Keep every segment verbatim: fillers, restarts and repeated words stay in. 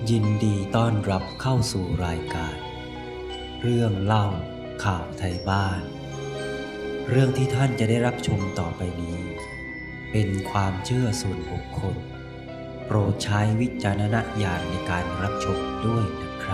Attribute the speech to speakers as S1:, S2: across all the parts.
S1: ยินดีต้อนรับเข้าสู่รายการ เรื่องเล่าข่าวไทยบ้าน เรื่องที่ท่านจะได้รับชมต่อไปนี้ เป็นความเชื่อส่วนบุคคล โปรดใช้วิจารณญาณในการรับชมด้วยนะครับ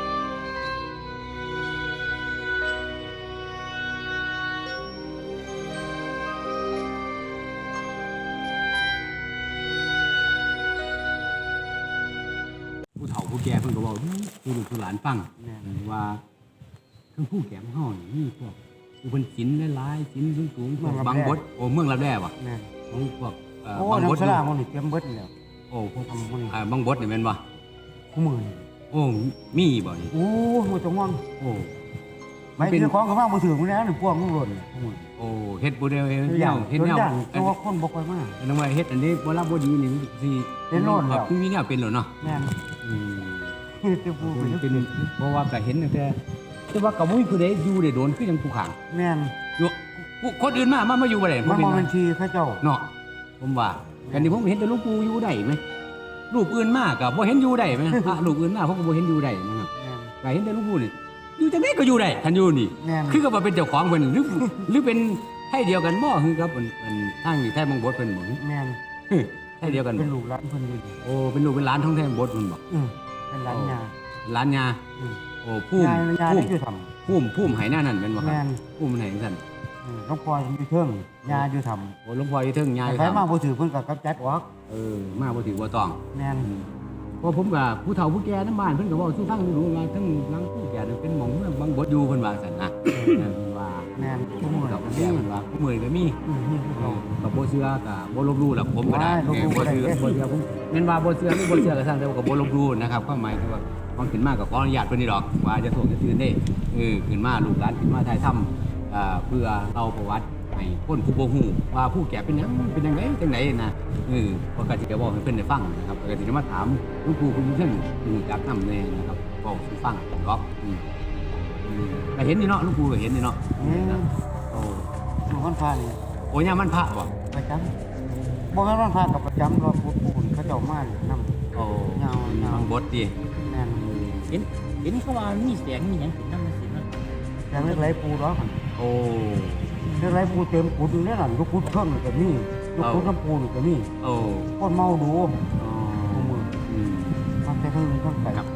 S2: ผู้เฒ่าผู้แก่เพิ่นก็บอกผู้ลูกผู้หลานฟังว่าทั้งผู้แก่ของเฮานี่มีพวกผู้เพิ่นศีลหลายๆศีลสูงๆพวกบางบทโอ้เมืองรับแร่บ่
S3: แม่น
S2: ของพวกเอ่อ
S3: โอ้
S2: บางบท
S3: น้ำสลามันนี่เตรียมเบิดแล้ว
S2: โอ้พวก
S3: ทำมันนี่
S2: อ่าบางบทนี่แม่นบ่
S3: คู่มือนี่
S2: โอ้มีบ่นี่
S3: โอ้บ่ต้องห่วง
S2: โอ้
S3: ไม่ถือของก็มาบ่ถือมันแล้วนี่พวกมันหล่นคู่มือ
S2: โอ้เฮ็ดบ่ได้เฮ็ด
S3: ตัวอ
S2: แน
S3: ย่าง
S2: วเฮ็ด
S3: ตัว
S2: แนว
S3: อย่าง
S2: อัน
S3: ตัวคนบ่ค่อยมา
S2: อันนั้นว่าเฮ็ดอันนี้บ่รับบ่ดีนี่สิ
S3: เป็นโน่นแล้ว
S2: คือมีแนวเป็นแล้วเนาะ
S3: แม่น
S2: อืม
S3: จะพูดไป
S2: เป็น
S3: เป็น
S2: เพราะว่าก็เห็นตั้งแต่แต่ว่าก็บ่มีผู้ใดอยู่ได้โดนคือจังผู้ข้าง
S3: แม่น
S2: อยู่ผู้คนอื่นมามามาอยู่บ่ได้
S3: มัน
S2: เป็
S3: บ่
S2: น
S3: เป็นทีเขาเจ้า
S2: เนาะผมว่ากันนี่ผมเห็นแต่หลูกปู่อยู่ได้ไหมรูปอื่นมากกับบ่เห็นอยู่ได้ไหม พระรูปอื่นมากผมก็บ่เห็นอยู่ได้นะครับ
S3: แม่น
S2: ก็เห็นแต่หลูกปู่นี่อยู่จังได๋ก็อยู่ได้คันอยู่นี่
S3: แม่น
S2: คือก็ว่าเป็นเจ้าของเพิ่นหรือหรือเป็นให้เดียวกันบ่คือกับเพิ่นเพิ่นทางนี่ไทยบางบทเพิ่นบ่
S3: แม่น
S2: ให้เดียวกัน
S3: เป็
S2: บ่
S3: นลูกหลานเพิ่นอยู่
S2: โอ้เป็นลูกเป็นหลานท้องไทยบางบทเพิ่นบ่
S3: อือเป็นหลานยา
S2: หลานยา
S3: อือ
S2: โอ้ภูมิ
S3: ยายยา
S2: ภู
S3: ได้
S2: มิ
S3: คือทำ
S2: ภูมิภูมิไหหน้านั่นแม่นบ่ครั
S3: แม่
S2: บ
S3: น
S2: ภูมิมันไหจังซั่น
S3: อือหลวงพ่ออยู่เทิงยาอยู่ทำ
S2: โอ้หลวงพ่ออยู่เทิงยาอยู่
S3: ใครมา
S2: ทำ
S3: บ่ถือเพิ่นก็กำจัดออก
S2: เออมาบ่ถือบ่ต้อง
S3: แม่น
S2: เพราะผมกับผู้เฒ่าผู้แก่ทั้งบ้านเพิ่นก็บอกสู้ฟังรู้ว่าทั้งหลังผู้แก่นี่เป็นหม่องเมืองบางบดอยู่เพิ่นว่าซั่นนะเพิ่นว่า
S3: แม่นคู่มือ
S2: กับผู้แก่เพิ่นว่าผู้มื้อก็มี
S3: อือนี่คือเขา
S2: กับบ่เชื่อก็บ่ลบหลู่หรอกผมก็ได้
S3: ว้ายลบหลู่
S2: บ่เชื่อ
S3: บ่ได้
S2: บ่เชื่อผมแม่นว่าบ่เชื่อหรือบ่เชื่อก็ช่างแต่ว่าก็บ่ลบหลู่นะครับความหมายคือว่าความขึ้นมาก็ขออนุญาตเพิ่นนี่ดอกว่าจะส่งจะตื่นเด้เออขึ้นมาลูกหลานขึ้นมาถ่ายทำอ่าเพื่อเอาประวัติให้คนผู้บ่ฮู้ว่าผู้แก่เป็นหยังเป็นจังไดจังไดนะเออปกติจะบอกให้เพิ่นได้ฟังนะครับปกติจะมาถามหลวงปู่คุณเพิ่นอือจากนำแน่นะครับบอกสู่ฟังก็อืมอืมก็เห็นนี่เนาะหลวงปู่ก็เห็นนี่เนาะ
S3: อืม
S2: โอ้
S3: หลวงพ่อพานี่
S2: โอ้ยามมันพระบ่
S3: ประจำบ่แม่นวันพากับประจำว่าพูดปูนเขาเจ้ามานี่นำ
S2: โอ้
S3: ยาวๆ
S2: บางบทดิ
S3: แม่น
S4: เห็นเห็นเขาว่ามีเสียงมีหยังขึ้นน้ำมันสิเนาะ
S3: แต่เล็กไหลปูดอก
S2: โอ้
S3: เล็กไหลปูเต็มกุดอยู่เนี่ยน่ะลูกกุดเครื่องนี่ก็มีลูกกุดน้ำปูนี่ก็มี
S2: โอ้
S3: คนเมาดู
S2: อ๋อ
S3: คู่มือ
S2: อืม
S3: มันแต่เพิ่งเพิ่งไป
S2: ครับ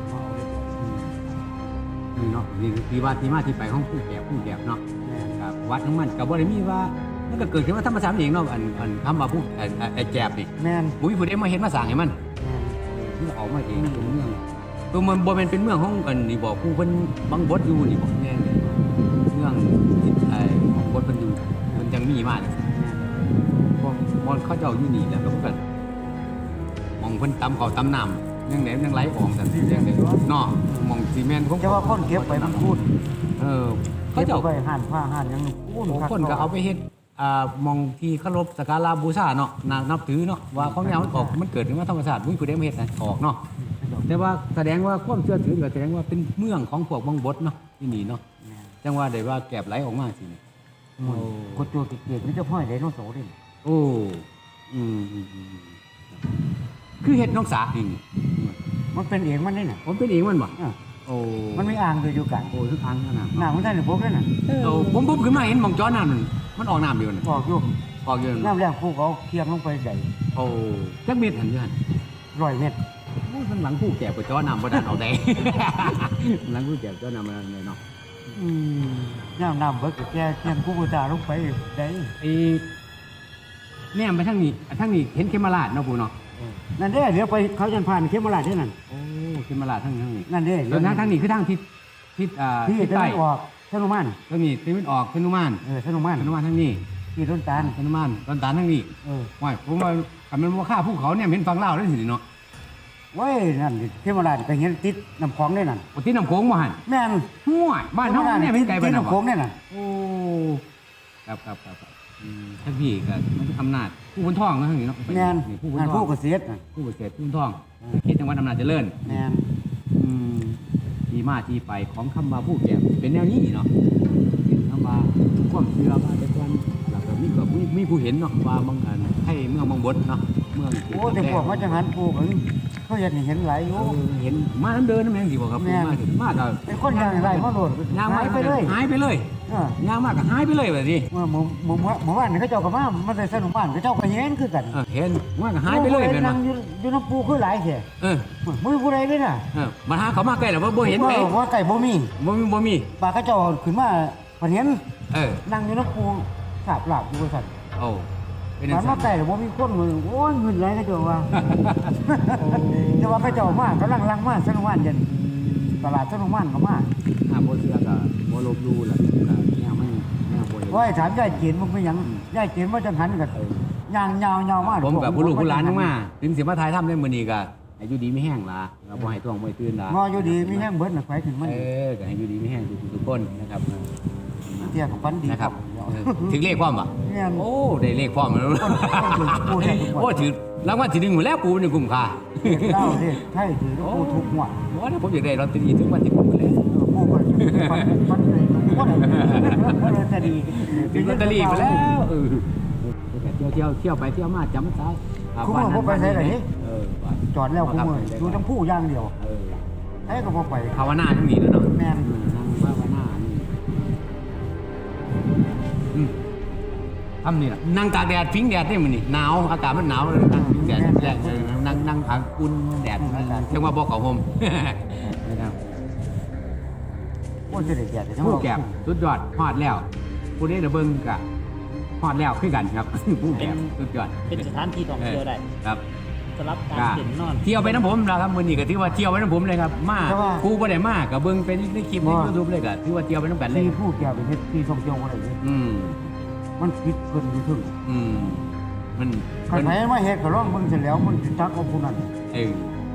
S2: นี่เนาะนี่คือที่ว่าที่มาที่ไปของผู้แก่ผู้แก่เนาะ
S3: แม่น
S2: ครับวัดของมันกับบ่ได้มีว่ามันก็เกิดขึ้นมาธรรมชาติเองเนาะอันอันคำว่าผู้ไอ้ไอ้ไอ้แจบนี่
S3: แม่น
S2: บ่มีผู้ใดมาเห็นมาสร้างให้มัน
S3: แม่น
S2: มันออกมาเองเป็นเมืองตัวมันบ่แม่นเป็นเมืองของอันนี่บอกผู้เพิ่นบังบดอยู่นี่บอกแม่นเลยเมืองที่ไอ้ของบดเพิ่นอยู่มันจังมีมาเนี่ยพวกมอนเขาเจ้าอยู่นี่แล้วก็เพิ่นมองเพิ่นตำข้าวตำน้ำยังไหนยังไหลออกซั่นสิยังไดเนาะมองซีเมนต์ของ
S3: จะว่าคนเก็บไปมันพูด
S2: เออ
S3: เขา
S2: เขา
S3: เจ้า
S2: เจ้า
S3: ไปห่านผ้าห่านหยังพูด
S2: โอ้คนก็เอาไปเฮ็ดอ่ามองที่เคารพสักการะบูชาเนาะนานับถือเนาะว่าของแนวมันออกมันเกิดขึ้นมาธรรมชาติมุ้ยผู้ใดมาเฮ็ดนะออกเนาะแต่ว่าแสดงว่าความเชื่อถือก็แสดงว่าเป็นเมืองของพวกบังบดเนาะที่นี่เนาะจังว่าได้ว่าแกบไหลออกมาสินี่
S3: โอ้กดโจติเกียรติมันจะห้อยไดโนเสาร์ดิ
S2: โอ้อืมอืมอืมคือเฮ็ดน้องสาเอง
S3: มันเป็นเองมันนี่น่ะ
S2: ผมเป็นเองมันบ่
S3: อ่ะ
S2: โอ้
S3: มันมีอ่างอยู่อยู่กัน
S2: โอ้ทุกทางขนาด
S3: หน้ามันได้หรือพวกนั่นน่ะ
S2: โอ้ผมผมขึ้นมาเห็นหมองจ้อน้ำมันมันออกน้ำเดียวน่ะ
S3: บอกอยู่
S2: ออกเดียวน่ะ
S3: น้ำแรงผู้เขาเคียงลงไปใหญ่
S2: โอ้จักเม็ดหันอยู่หั่น
S3: ร้อยเมตร
S2: โอ้ยข้างหลังผู้แก่ไปจ้อนำบ่ได้เอาได้ หลังผู้แก่จ้อนำมาเลยเนาะ
S3: อืมน้ำน้ำเบิกแกเคียงผู้บูชาลงไปได้
S2: ไอ้แนมไปทางนี้ทางนี้เห็นเขมราชเนาะปู่เนาะ
S3: นั่นเด้เดี๋ยวไปเขาจันผ่านเข้มราชได้นั่น
S2: โอ้เขมราชทางทางนี้
S3: นั่นเด้
S2: แล้วทางทางนี้คือทางทิศทิศอ่า
S3: ที่
S2: ทิศ
S3: จะ
S2: ใต้
S3: ไม่ออกธนุมาน
S2: ทางนี้ทิศตะวันออกธนุมาน
S3: เออธนุมาน
S2: ธนุมานทางนี้
S3: ที่ต้นตาล
S2: ธนุมานตอนตานทางนี้
S3: เออ
S2: ว้ายผมว่าคันมันบ่ฆ่าภูเขาเนี่ยเห็นฟังลาวได้สิเนาะ
S3: เว้ยนั่นดิเข้มราชไปเห็นติดน้ำของได้นั่น
S2: โอ้ที่น้ำโขงบ่หั่น
S3: แม่น
S2: ห้วยบ้านเฮาเนี่ยเป็นไกล
S3: ติ
S2: บ้า
S3: ด
S2: นเฮา
S3: น้ำของได้นั่น
S2: โอ้ครับครับครับครับอืมท่านพี่ก็มันอำนาจผู้บนท้องเนาะทางนี้เนาะ
S3: แม่น
S2: นี่ผู้บน
S3: งาน
S2: ท้อ
S3: ผู้
S2: ง
S3: เกษตรน่ะ
S2: ผู้เกษตรผู้บนท้องเขตจังหวัดอำนาจเจริญ
S3: แม่น
S2: อืมที่มาที่ไปของคำว่าผู้แก่เป็นแนวนี้เนาะเป็นคำว่าความเชื่อมาแต่ก่อนแล้วก็มีก็มีมีผู้เห็นเนาะว่าบางอันให้เมืองบางบดเนาะเมือง
S3: โอ้แต่พวกมาจังหันผู้กันเขาเห็นนี่เห็นหลายอยู่
S2: เออเห็นมาน้ำเดินน้ำแมงสิบอกครับ
S3: แม่น
S2: มาถึงมาก็
S3: ไอ้คนย่างไรมาโหลด
S2: ย่าง
S3: หายไปเลย
S2: หายไปเลย
S3: เออย่าง
S2: มากก็หายไปเลยแบบนี้
S3: เมื่อเมื่อเมื่อเมื่อวานนี่เขาเจ้าก็มามาใส่สนุกบ้านเขาเจ้าก็เห็นคือกัน
S2: เออเห็นว่าก็หายไปเลยเป็น
S3: นั่
S2: ว่าง
S3: อยู่อยู่น้ำปูคือหลายแท้
S2: เออ
S3: มือผู้ใดเลยน่ะ
S2: เออมาหาเขามาใกล้แล้วว่าบ่เห็นไหม
S3: ว่าว่าไก่บ่มี
S2: บ่มีบ่มี
S3: ปลาเขาเจ้าขึ้นมาเพิ่นเห็น
S2: เออ
S3: นั่งอยู่น้ำปูสาบหลับอยู่ว่าซั่น
S2: โอ้เป็น
S3: มัน
S2: จั
S3: มาง
S2: ซั่น
S3: ไก่แล้วบ่มีคนเลยโอ้ยเงินไหลเขาเจ้าว่า แต่ว่าเขาเจ้ามากำลังลังมาสนุกบ้านเย็นตลาดสนุกบ้านก็มา
S2: ถ้าบ่เชื่อก็บ่ลบหลู่ล่ะก็แนวมันแนวบ่เห็น
S3: ว่าให้ถามยายเกียนมันเป็นหยังยายเกียนว่าจังหันกันย่างยาวยาวมาก
S2: ผมกับผู้ลูกผู้หลานทั้งมาถึงสิมาถ่ายทำได้มื้อนี้ก็ให้อยู่ดีมีแห้งล่ะเราบ่ให้ท้องบ่ให้ตื่นล่ะ
S3: งออยู่ดีมีแห้งเบิดน่ะไฟถึงมัน
S2: เออก็ให้อยู่ดีมีแห้งทุกทุกคนนะครับ
S3: เที่ยกับฟันดี
S2: นะครับเออถึงเลขพร้อมป่ะ
S3: เนี่ย
S2: โอ้ได้เลขพร้อมแล้ว
S3: ปูแทนทุกวัน
S2: โอ้ถือรางวัลที่หนึ่งหมดแล้วปูเป็นกลุ่มค่า
S3: เล่าดิไทยถือปูทุกหัว
S2: โอ้ถ้าผมอยากได้ลอตเตอรี่ถึงวันที่ผมหมดแล้ว
S3: ปูก็ฟันฟันเลยทุกวันเลยแต่ดี
S2: ถึงลอตเตอรี่ไปแล้วเออเที่ยวเที่ยวเที่ยวไปเที่ยวมาจำซะอ่า
S3: คุณว่าผมไปใช้ไหน
S2: เออ
S3: จอดแล้วคุณมือดูทั้งผู้ย่างเดียว
S2: เออ
S3: ไอ้ก็พอไป
S2: ภาวนาทั้งนี้แล้วเนาะ
S3: แม่น
S2: นั่งภาวนานี่อืมทำนี่แหละนั่งตากแดดพิงแดดนี่มันนี่หนาวอากาศมันหนาวนั่งพิงแดดแดดเออนั่งนั่งพักอุ่นแดดเรียกว่าบอกเขาห่มนะครับ
S3: ว่าจะได้แก่แต่ทั้ง
S2: ผู้แก็บสุดยอดฮอดแล้วผู้นี้เดเบิ้งกะฮอดแล้วคือกันครับ ผู้แก็บสุดยอด
S4: เป็นสถานที่ท่องเที่ยวได้
S2: ครับ
S4: สำหรับการ
S2: ก็
S4: เห็นนอน
S2: เที่ยวไปน้ำผมแล้วครับมื้อนี้ก็ถือว่าเที่ยวไปน้ำผมเลยครับมาครูบ่ได้มาก็เบิ่งเป็นในคลิปใน YouTube เลยก็ถือว่าเที่ยวไปน้ำกันเลย
S3: ที่ผู้แก่เป็นที่ท่องเที่ยวอะไรเนี่ย
S2: อืม
S3: มันคิดเกินอยู่ถึง
S2: อืมมัน
S3: ใครๆมาเฮ็ดก็ร้องมึงเสร็จแล้วมันสิตักเอาผู้นั้น
S2: เออ